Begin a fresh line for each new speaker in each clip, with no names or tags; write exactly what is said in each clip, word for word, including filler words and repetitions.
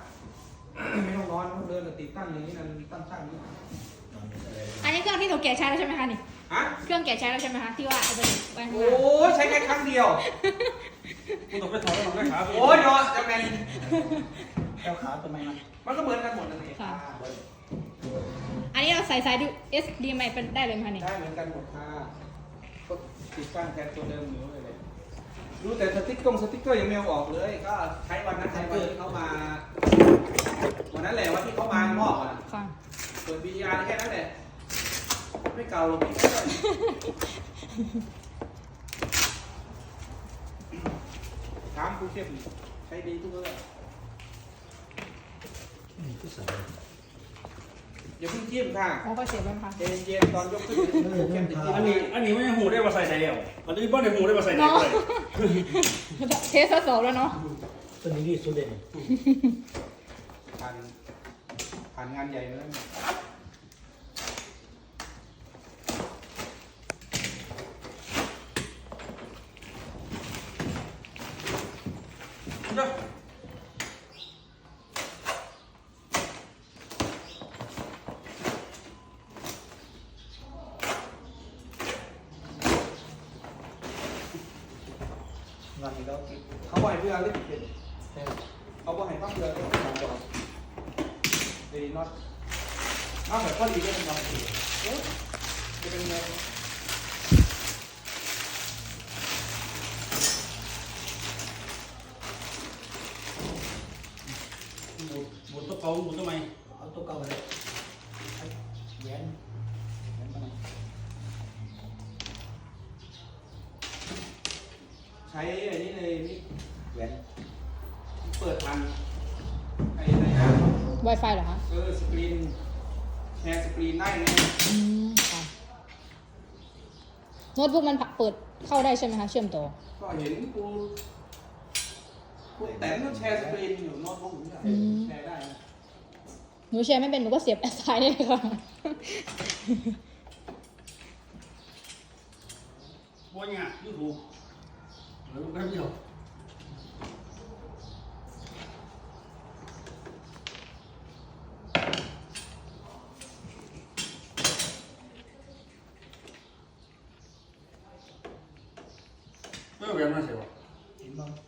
ไม่ต้องนอนเดินติดตั้งอย่างนี้นั่นตั้งตั้งนี่
อันนี้เครื่องที่ถูกแกะใช้แล้วใช่ไหมคะนี่
ฮะ
เครื่องแกะใช้แล้วใช่ไหมคะที่ว่าเอาไปไว้ข้าง
โอ้
ล่าง
ใช้แค่ครั้งเดียว
กูต้องไปถอดแล้วต้องไปขา
โอ้ยเนาะจะเป็น
แก้วขาทำไมมัน
มันก็เหมือนกันหมดนั่นเอง
ค่ะอันนี้เราใส่สายดู เอส ดี เอ็ม ไอ เป็นได้เลยไหมคะนี่
ได้เหมือนกันหมดค่ะก็ติดตั้งแทนตัวเดิมอยู่เลยดูแต่สติ๊กเกอร์สติ๊กเกอร์ยังไม่เอาออกเลย ก็ใช้วันนั้นใช้วันที่เขามาวันนั้นแหละวันที่เขามามอบอ่ะ
ค่ะ
เปิดวิญญาณแค่นั้นแหละไม่เก่าหรอกพี่ถามครูเข้มใช้ดีทุกเรื่อง
นี่คือใส่
อย่าเพิ่งจิ้มค่ะ
อ๋อก็เสียบแล้วค่ะ
เย็นเย็นๆตอนยกขึ้นครูเข้มจะจิ้ม
อันนี้อันนี้ไม่หูได้มาใส่ไหนแล้วอันนี้บ้านในหูได้มาใส่ไหน
เนาะ
เลย
เทสทดสอบแล้วเนาะ
ตัวนี้ดีสุดเด่น
ผ่านผ่านงานใหญ่มาแล้ว
เนาะ
งานนี้แล้ว
เขาบ่อยเพื่อเล่นเป็นเขาบ่อยพักเรือก็ต้องบอกเดี๋ยวน็อตเอาแบบข้อดีก็เป็นน็อตจะเป็นไง
หมุนหมุนตัวเก่าหมุนตัวใหม่
เอาตัวเก่าเลยแหวนแหวนมาหน่อย
ใช้ไอ้นี่เลยนี่
แหวน
เปิดทันไอ้อะไรนะ
Wi-Fi เหรอคะ
เออสกรีนแชร์สกรีนได้ไง
อืมค่ะโน้ตบุ๊กมันเปิดเข้าได้ใช่ไหมคะเชื่อมต่อ
ก็เห็นกูกูแต่ก็แชร์สกรีนอยู่โน้ตบุ๊กนี่แชร์ได้นะ
หนูแชร์ไม่เป็นหนูก็เสียบแอดไซน์ได้เลยค่ะ
บัวเนี่ยยูทูบเดี๋ยวแป๊บเดียวไม่เอาแหวนมาใส่วะ
เห็นบ้าง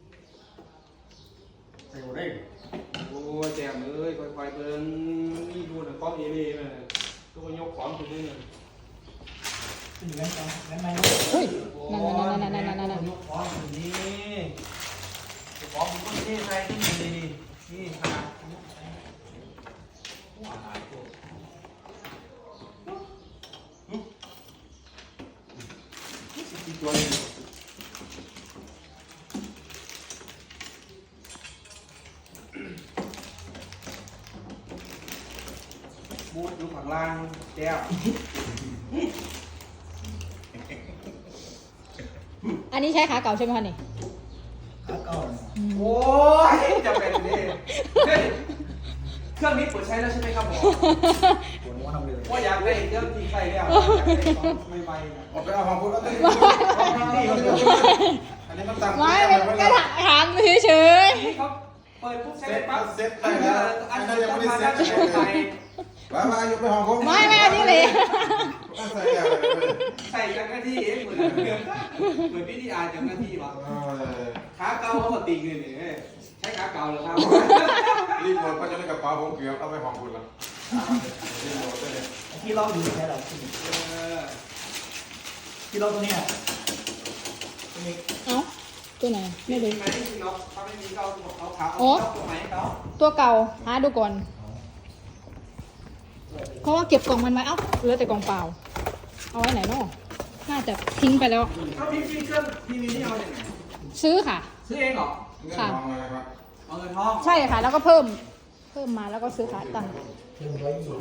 ใส่หัวได้
โอ้ยแจมเอ้ยค่อยๆเบิ่งนี่ดูหนังกล้องเอเล่เลยตัวยกของตัวนี้เลย
ขึ้นแหวนกันแหวนไหม
เฮ้ยนั่นนั่นนั่นนั่นนั่นนั่น
ยกของตัวนี้ของมันก็นี่ใส่ที่นี่นี่นี่ค่ะว้าวตัวนี้บูดอยู่ข้างล่างแก้ว
อันนี้ใช้ขาเก่าใช่ไหมคะนี่
ขาเก่า
โอ้ยจะเป็นนี่เฮ้ยเครื่องนี้เปิดใช้แล้วใช่ไหมครับผม
ปวดหัวทำเลย
ว่าอยากได้เครื่องที่ใช้แล้วอยากได้ของไม่ไหวนะ
ออกไปเอาของคุณแล้วนี่อันนี้มันตังค์
ไม่เป็นก็ถามเฉย
นี่เขาเปิดปุ๊บใช้
เซ็
ได้
ต
ปั๊บ
เซ็ตได้แล้ว
อั
อั
น
น
นี้
นี้
ยั
ยัง ง
ไม่
ไม่
ได้
ได้
เซ็
เซ็
ต
ต
ใส่
มามาอยู่ไปห้องผม
ๆไม่ไม่อันนี้เลย
ใส่อะไร
ใส่จากหน้าที่เองเหมือนเหมือนพี่ที่อ่านจากหน้าที่วะขาเก่าเขาก็ติ่งเลยนี่ใช้ขาเก่าเหรอครับ
รีโมทก็จะในกระเป๋าผมเกือบเอาไปห้องคุณแล้วรีโมทได้เลย
ที่เราอยู่แค่เรา
เออ
ที่เราตัวเนี้ยตัวนี้
เอ้าตัวไหนไม่
มี
รู้
ไหมที่ล็อกถ้าไม่มีเขาเขาขา
โอ๊
เอาตัวไหนเขา
ตัวเก่าหาดูก่อน เพราะว่าเก็บกล่องมันไว้เอ้าเหลือแต่กล่องเปล่า เอาไว้ไหนเนาะน่าจะทิ้งไปแล้ว
เขาพี่พี่เครื่องทีวีนี่เอาจากไหน
ซื้อค่ะ
ซื้อเองเหรอ
เงินทองอะไรครับ
เอาเงินทอง
ใช่ค่ะ แล้วก็เพิ่ม เพิ่มมาแล้วก็ซื้อขาตั้ง
เทียมไว้อยู่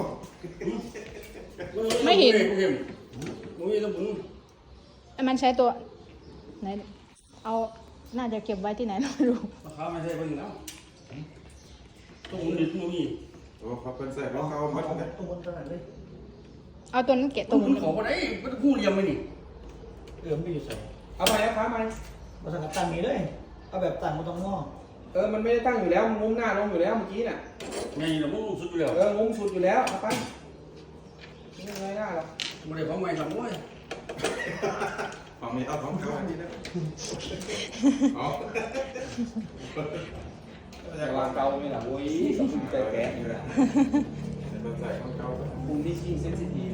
ไม่เห็น
ไม่เห็นมึงมีตัวมึง
ไอ้มันใช้ตัวไหน เอา น่าจะเก็บไว้ที่ไหนเราไม่รู้
ราคาไม่ใช่เพิ่งแล้วตัวมึงดิมึงมี
โอ้เขาเป็นใส่ของเขา
เอา
หมด
ของ
เลย
ตัวบนตัวนั้นเลย
เอาตัวนั้นเก็บต
ตั
ร
ว
ง
มึงขอมาได้มันกู้เรียมไหมนี่
เอือมไปอยู่ใส่
เอาไปแล้วครับไป
มาสั่งกับตั้งนี้เลยเอาแบบตั้งมาตรงนอก
เออมันไม่ได้ตั้งอยู่แล้วมันงุ้มหน้าลงอยู่แล้วเมื่อกี้น่ะ
ไงเรามุ่งสุดอยู่แล้ว
เอองุ้มสุดอยู่แล้วเอาไปไม่เป็นไรหน้าหรอก
ไม่ได้ของใหม่ทำด้วย
ฝั่งนี้เอาของเก่าอันนี้นะเอา
แต่วางเกาไม่หล่ะโว้ยสมบูรณ์ใจแก่อยู่แล้ว
เป็นใส่ของเก่า
มุมที่ชี้เซนซิทีฟ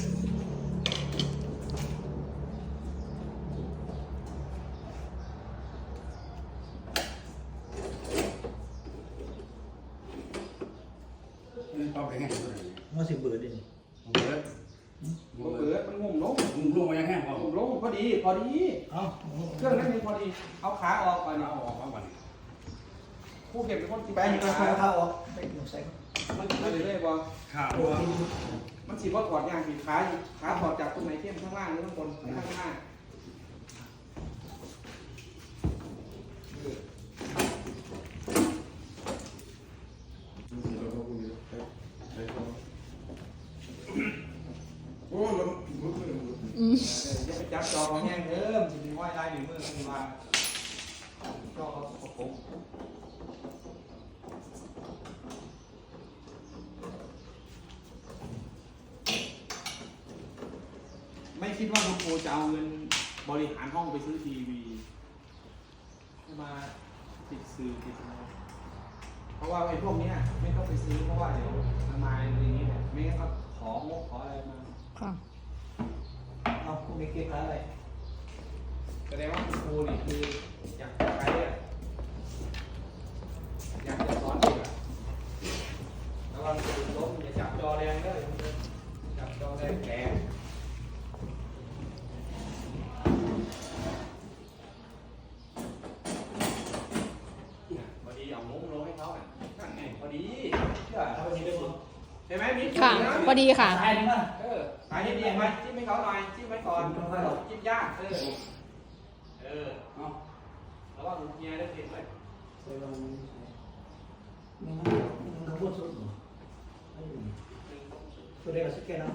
นี่ปั๊บไปแห้งตัวนี้
มันสิเบื่อดิ
เบิร์ด
มันเปิดมันงุ้มลง
มึงลงมายังแห้งพอง
ุ้มลงพอดีพอดี
เอ้า
เครื่องนั้นนี่พอดีเอาขาออกก่อน
เอาออกมาวัน
ผู้เก็บเป็นคนกิน
แป้งนี่ก็ค่อยเข้าออกไปหนูใส่
มันกินไปเรื่อยๆบอ
ข่าว
โอ้
ว่า
ย
มันสีว่าถอดยางสีขาขาถอดจากตรงไหนเข้มข้างล่างหรือข้างบนข้างหน้า
โอ้ยมันมือมือ
อืม
จะไปจับจอของแห้งเดิมจะมีห้อยลายนิ้วมือขึ้นมาจอเขาสกปรกไม่คิดว่าคุณโอจะเอาเงินบริหารห้องไปซื้อทีวีมาติดสื่อติดอะไรเพราะว่าไอ้พวกเนี้ยไม่ต้องไปซื้อเพราะว่าเดี๋ยวทำไมอะไรอย่างเงี้ยไม่งั้นก็ของงบขออะไรมา
ค่ะ
เอาคุณไม่เก็บอะไร
แสดงว่าคุณครูนี่คืออยากจะใช้อะอยากจะสอนเด็กอะระวังจะล้มอย่าจับจอแรงเลยจับจอแรงแกงพอดีเอามุ้งลงให้เขาอ่ะนั่นไงพอดีเชื่อ
เอาไปทีเดียว
ใช่ไหมมิ้น
ค่ะพอดีค่ะ
ตายเลยมั้ง
เออสายดีไหมจิ้มให้เขาหน่อยจิ้มไว้ก่อนจิ้มยากเออเออ
เอา
ระวังเมียได้เห็นไหม
ใส่ลงนี่มันมันทั้งหมดสุดตัวเด็กกับสเก็ตเอา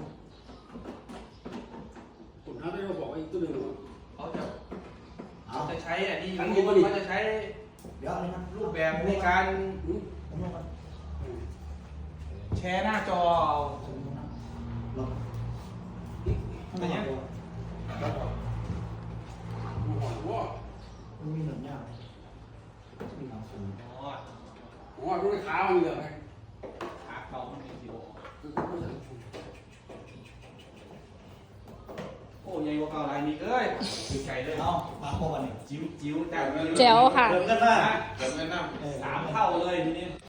คุณน้าได้บอกอีกตัวหนึ่ง
เขาจะ
เอา
เขาจะใช้อ่ะดี
อันนี้ก็ดี
เขาจะใช้
เดี๋ยวอะไรนะ
รูปแบบในการ
ผมลงก่อน
แชร์หน้าจอ
ผมลงนะลง
อะไรเงี้ย
ว่า
มันมีหนึ่งอย่างมีหนังสือ
อ๋อ
ว่ารู้ได้ขามันเหลือไง
ขาเขามันเป็นสิบโอ้ยายว่าเก่าลายนี้เอ้ยคือใจเลย
เอามาโคกันนี่
จิ้วจิ้วแต่
แจ๋วค่ะ
เริ่มกันมา
เดี๋ยวแนะนำ
สามเท่าเลยทีนี้